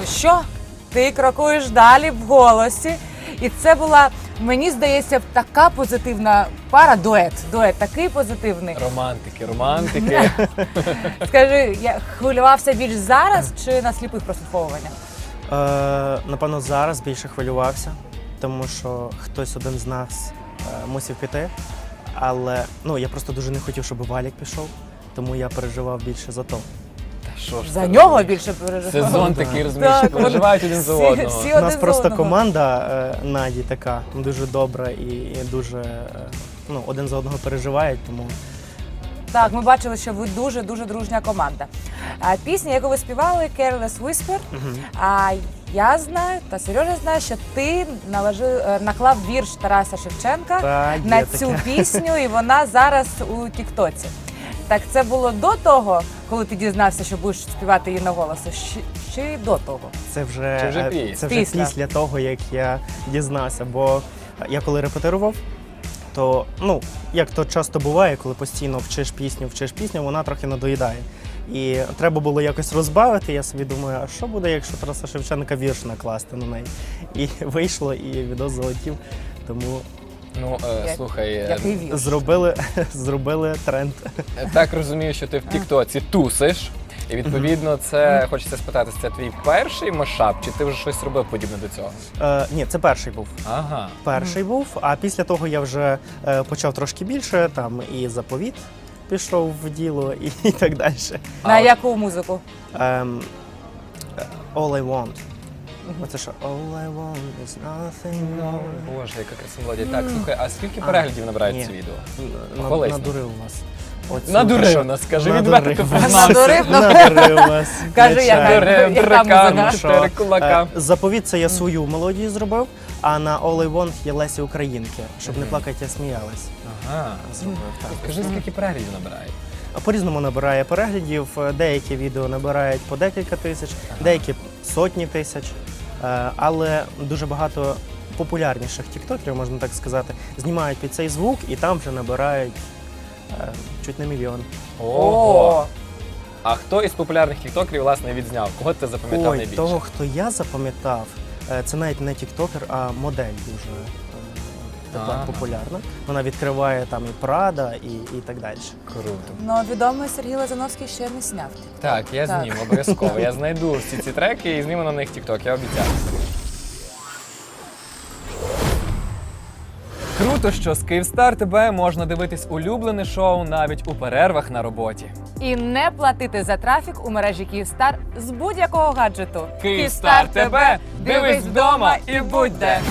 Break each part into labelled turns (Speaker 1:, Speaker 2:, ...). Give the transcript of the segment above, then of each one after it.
Speaker 1: що? Ти крокуєш далі в голосі. І це була, мені здається, така позитивна пара, дует такий позитивний.
Speaker 2: Романтики.
Speaker 1: Скажи, я хвилювався більш зараз чи на сліпих прослуховуваннях?
Speaker 3: Напевно, зараз більше хвилювався, тому що хтось один з нас мусив піти. Але я просто дуже не хотів, щоб Валік пішов, тому я переживав більше за то.
Speaker 1: За нього більше переживав.
Speaker 2: Сезон такий, розумієш, переживають один за одного.
Speaker 3: У нас просто команда Наді така дуже добра і дуже один за одного переживають, тому...
Speaker 1: Так, ми бачили, що ви дуже-дуже дружня команда. Пісня, яку ви співали, Careless Whisper, я знаю, та Сережа знає, що ти наклав вірш Тараса Шевченка на цю пісню, і вона зараз у Тіктоці. Так це було до того, коли ти дізнався, що будеш співати її на голос, чи до того?
Speaker 3: Це вже після того, як я дізнався, бо я коли репетирував, то, як то часто буває, коли постійно вчиш пісню, вона трохи надоїдає. І треба було якось розбавити, я собі думаю, а що буде, якщо Тараса Шевченка вірш накласти на неї? І вийшло, і відос залетів, тому...
Speaker 2: Слухай,
Speaker 3: зробили тренд.
Speaker 2: Так розумію, що ти в Тіктоці тусиш, і відповідно це, хочеться спитати, це твій перший машап, чи ти вже щось робив подібне до цього?
Speaker 3: Ні, це перший був.
Speaker 2: Ага.
Speaker 3: Перший був, а після того я вже почав трошки більше, там і заповіт пішов в діло, і так далі.
Speaker 1: На яку музику?
Speaker 3: All I Want. Оце що? All I want is nothing more.
Speaker 2: Боже, яка красива мелодія. Так, слухай, а скільки переглядів набирають це відео?
Speaker 3: Надурив вас.
Speaker 2: Надурив нас, скажи, відверто ти
Speaker 1: Надурив
Speaker 3: вас.
Speaker 1: Кажи, яка
Speaker 2: музика.
Speaker 3: Заповіт — це я свою мелодію зробив, а на All I Want є Лесі Українки. Щоб не плакати, я сміялась.
Speaker 2: Ага. Скажи, скільки переглядів набирає?
Speaker 3: По-різному набирає переглядів. Деякі відео набирають по декілька тисяч, деякі сотні тисяч. Але дуже багато популярніших тіктокерів, можна так сказати, знімають під цей звук і там вже набирають чуть не мільйон.
Speaker 2: Ого! А хто із популярних тіктокерів, власне, відзняв? Кого ти запам'ятав найбільше?
Speaker 3: Того, хто я запам'ятав, це навіть не тіктокер, а модель дуже тепер популярна. Вона відкриває там і Прада, і так далі.
Speaker 2: Круто.
Speaker 1: Відомий Сергій Лазановський ще не зняв тікток.
Speaker 2: Так, я зніму обов'язково. Я знайду всі ці треки і зніму на них тікток, я обіцяю. Круто, що з Київстар ТБ можна дивитись улюблене шоу навіть у перервах на роботі.
Speaker 1: І не платити за трафік у мережі Київстар з будь-якого гаджету.
Speaker 2: Київстар ТБ! Дивись вдома і будь де!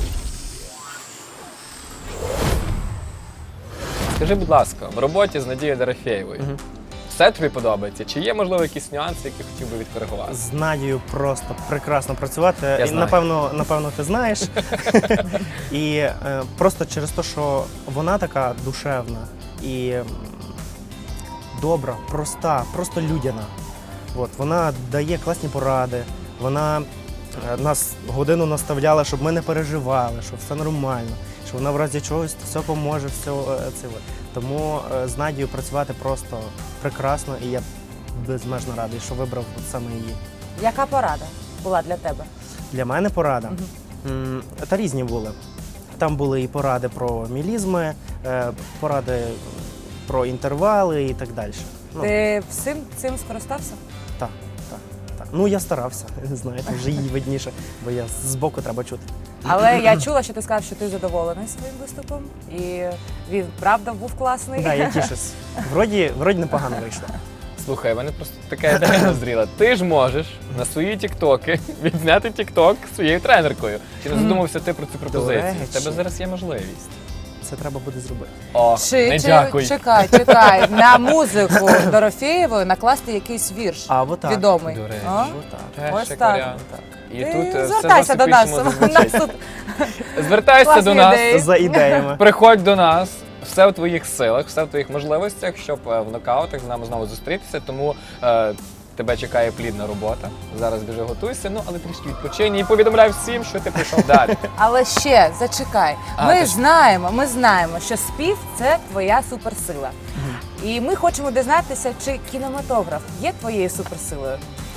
Speaker 2: Скажи, будь ласка, в роботі з Надією Дорофєєвою все тобі подобається? Чи є, можливо, якісь нюанси, які хотів би відкоригувати?
Speaker 3: З Надією просто прекрасно працювати.
Speaker 2: Я знаю.
Speaker 3: Напевно, ти знаєш. І просто через те, що вона така душевна і добра, проста, просто людяна. Вона дає класні поради, вона нас годину наставляла, щоб ми не переживали, що все нормально, що вона в разі чогось все поможе, все це. Тому з Надією працювати просто прекрасно, і я безмежно радий, що вибрав саме її.
Speaker 1: Яка порада була для тебе?
Speaker 3: Для мене порада? Та різні були. Там були і поради про мілізми, поради про інтервали і так далі.
Speaker 1: Ти всім цим скористався?
Speaker 3: Так. Я старався, знаєте, вже їй видніше, бо я збоку треба чути.
Speaker 1: Але я чула, що ти сказав, що ти задоволений своїм виступом, і він, правда, був класний.
Speaker 3: Так, я тішусь. Вроді непогано вийшло.
Speaker 2: Слухай, в мене просто така ідея назріла. Ти ж можеш на свої тіктоки відзняти тікток своєю тренеркою. Чи не задумався ти про цю пропозицію? В тебе зараз є можливість.
Speaker 3: Це треба буде зробити.
Speaker 2: О, не дякуй.
Speaker 1: Чекай. На музику Дорофєєвої накласти якийсь вірш відомий.
Speaker 2: До речі.
Speaker 1: Ось так.
Speaker 2: І тут
Speaker 1: звертайся до нас.
Speaker 2: Звертайся до нас
Speaker 3: за ідеями.
Speaker 2: Приходь до нас. Все в твоїх силах, все в твоїх можливостях, щоб в нокаутах з нами знову зустрітися. Тому тебе чекає плідна робота. Зараз біжи, готуйся, але трішки відпочинь і повідомляй всім, що ти прийшов далі.
Speaker 1: Але ще, зачекай. Ми знаємо, що спів – це твоя суперсила. І ми хочемо дізнатися, чи кінематограф є твоєю суперсилою.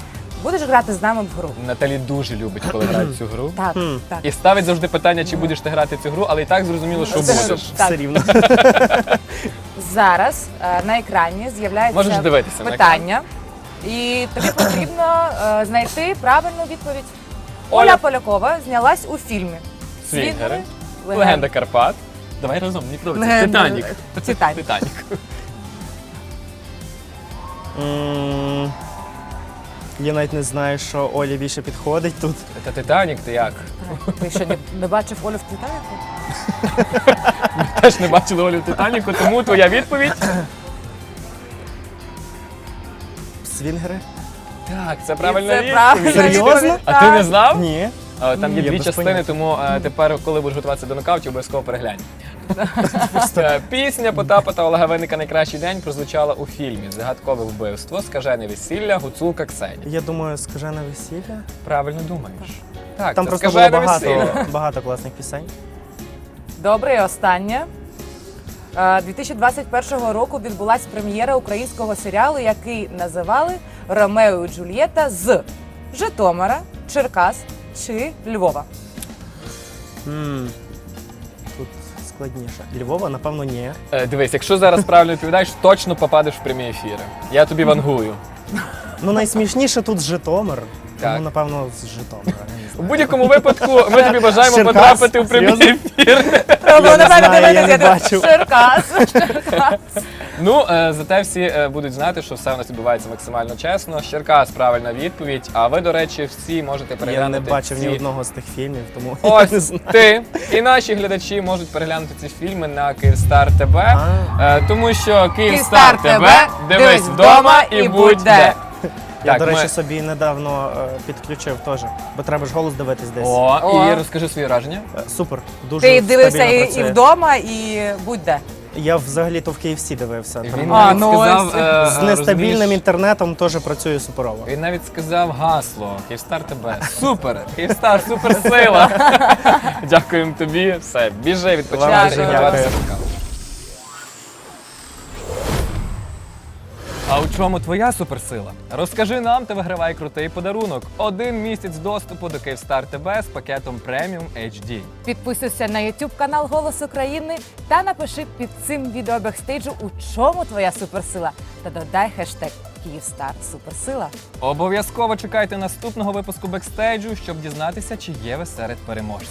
Speaker 1: будеш грати з нами в гру?
Speaker 2: Наталі дуже любить, коли грають цю гру.
Speaker 1: Так, так.
Speaker 2: І ставить завжди питання, чи будеш ти грати цю гру, але і так зрозуміло, що
Speaker 1: Це
Speaker 2: будеш.
Speaker 1: Так.
Speaker 3: Все рівно.
Speaker 1: Зараз на екрані
Speaker 2: Можеш
Speaker 1: з'являється
Speaker 2: дивитися на
Speaker 1: питання, і тобі потрібно знайти правильну відповідь.
Speaker 2: Оля.
Speaker 1: Оля Полякова знялась у фільмі
Speaker 2: Свінгери, Легенда Карпат. Давай разом, не подобається. Титанік.
Speaker 1: Титанік.
Speaker 2: Титанік.
Speaker 3: Я навіть не знаю, що Олі більше підходить тут.
Speaker 2: Та Титанік ти як?
Speaker 1: Ти що, не бачив Олю в Титаніку?
Speaker 2: Теж не бачили Олю в Титаніку, тому твоя відповідь.
Speaker 3: Свінгери?
Speaker 2: Так, це правильна
Speaker 1: Це
Speaker 2: відповідь.
Speaker 1: правильна
Speaker 3: Серйозно?
Speaker 1: відповідь,
Speaker 2: А ти
Speaker 1: так.
Speaker 2: не знав?
Speaker 3: Ні.
Speaker 2: Там є
Speaker 3: Я
Speaker 2: дві
Speaker 3: без
Speaker 2: частини,
Speaker 3: поняття.
Speaker 2: тому тепер, коли будеш готуватися до нокаутів, обов'язково переглянь. Пісня Потапа та Олега Винника «Найкращий день» прозвучала у фільмі «Загадкове вбивство», «Скажене весілля», «Гуцулка Ксеня».
Speaker 3: Я думаю, скажене весілля.
Speaker 2: Правильно думаєш. Так,
Speaker 3: Там
Speaker 2: це
Speaker 3: просто було
Speaker 2: «Скажене весілля».
Speaker 3: багато класних пісень.
Speaker 1: Добре, і останнє. 2021 року відбулася прем'єра українського серіалу, який називали «Ромео і Джульєта» з Житомира, Черкас чи Львова.
Speaker 3: Тут складніше. Львова, напевно, ні.
Speaker 2: Дивись, якщо зараз правильно відповідаєш, точно попадеш в прямі ефіри. Я тобі вангую.
Speaker 3: Ну, найсмішніше тут Житомир.
Speaker 2: Так.
Speaker 3: Тому, напевно, з Житомира. я не
Speaker 2: У
Speaker 3: знаю.
Speaker 2: будь-якому випадку ми тобі бажаємо
Speaker 3: Черкас?
Speaker 2: потрапити в прямі
Speaker 3: Серйозно?
Speaker 2: ефіри.
Speaker 1: Треба на мене
Speaker 3: знаю, я не
Speaker 1: дивитися.
Speaker 3: бачив.
Speaker 1: Черкас.
Speaker 2: Ну, зате всі будуть знати, що все у нас відбувається максимально чесно. Черкас правильна відповідь. А ви, до речі, всі можете
Speaker 3: Я
Speaker 2: переглянути
Speaker 3: не бачив ні
Speaker 2: ці...
Speaker 3: одного з тих фільмів, тому я не
Speaker 2: Ось
Speaker 3: знаю.
Speaker 2: ти і наші глядачі можуть переглянути ці фільми на Київстар ТБ, тому що Київстар ТБ дивись вдома і будь де.
Speaker 3: Я,
Speaker 2: Так,
Speaker 3: до речі,
Speaker 2: ми-
Speaker 3: собі недавно підключив теж, бо треба ж голос дивитись десь.
Speaker 2: О, і розкажи свої враження.
Speaker 3: Супер, дуже
Speaker 1: Ти дивився
Speaker 3: стабільно
Speaker 1: і
Speaker 3: працює.
Speaker 1: вдома, і будь-де.
Speaker 3: Я взагалі-то в KFC дивився.
Speaker 2: Він
Speaker 3: Там
Speaker 2: навіть
Speaker 1: ну
Speaker 2: сказав,
Speaker 1: ось.
Speaker 3: з нестабільним
Speaker 2: розумієш,
Speaker 3: інтернетом теж працює суперово.
Speaker 2: він навіть сказав гасло Київстар ТБ. Супер! Київстар, суперсила! Дякуємо тобі. Все, біжи, відпочивай,
Speaker 1: Дякую.
Speaker 2: готуватися до кави. А у чому твоя суперсила? Розкажи нам та вигравай крутий подарунок. 1 місяць доступу до Київстар ТБ з пакетом Premium HD.
Speaker 1: Підписуйся на YouTube канал Голос України та напиши під цим відео бекстейджу, у чому твоя суперсила. Та додай хештег Київстар Суперсила.
Speaker 2: Обов'язково чекайте наступного випуску бекстейджу, щоб дізнатися, чи є ви серед переможців.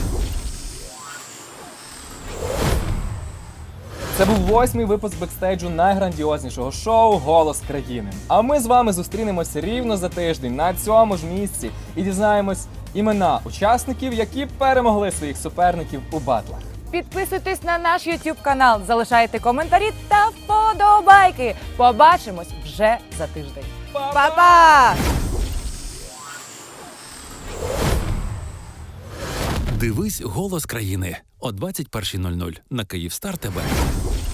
Speaker 2: Це був 8-й випуск бекстейджу найграндіознішого шоу «Голос країни». А ми з вами зустрінемося рівно за тиждень на цьому ж місці і дізнаємось імена учасників, які перемогли своїх суперників у батлах.
Speaker 1: Підписуйтесь на наш YouTube канал, залишайте коментарі та вподобайки. Побачимось вже за тиждень. Па-па!
Speaker 4: Дивись «Голос країни» о 21:00 на Київстар ТБ.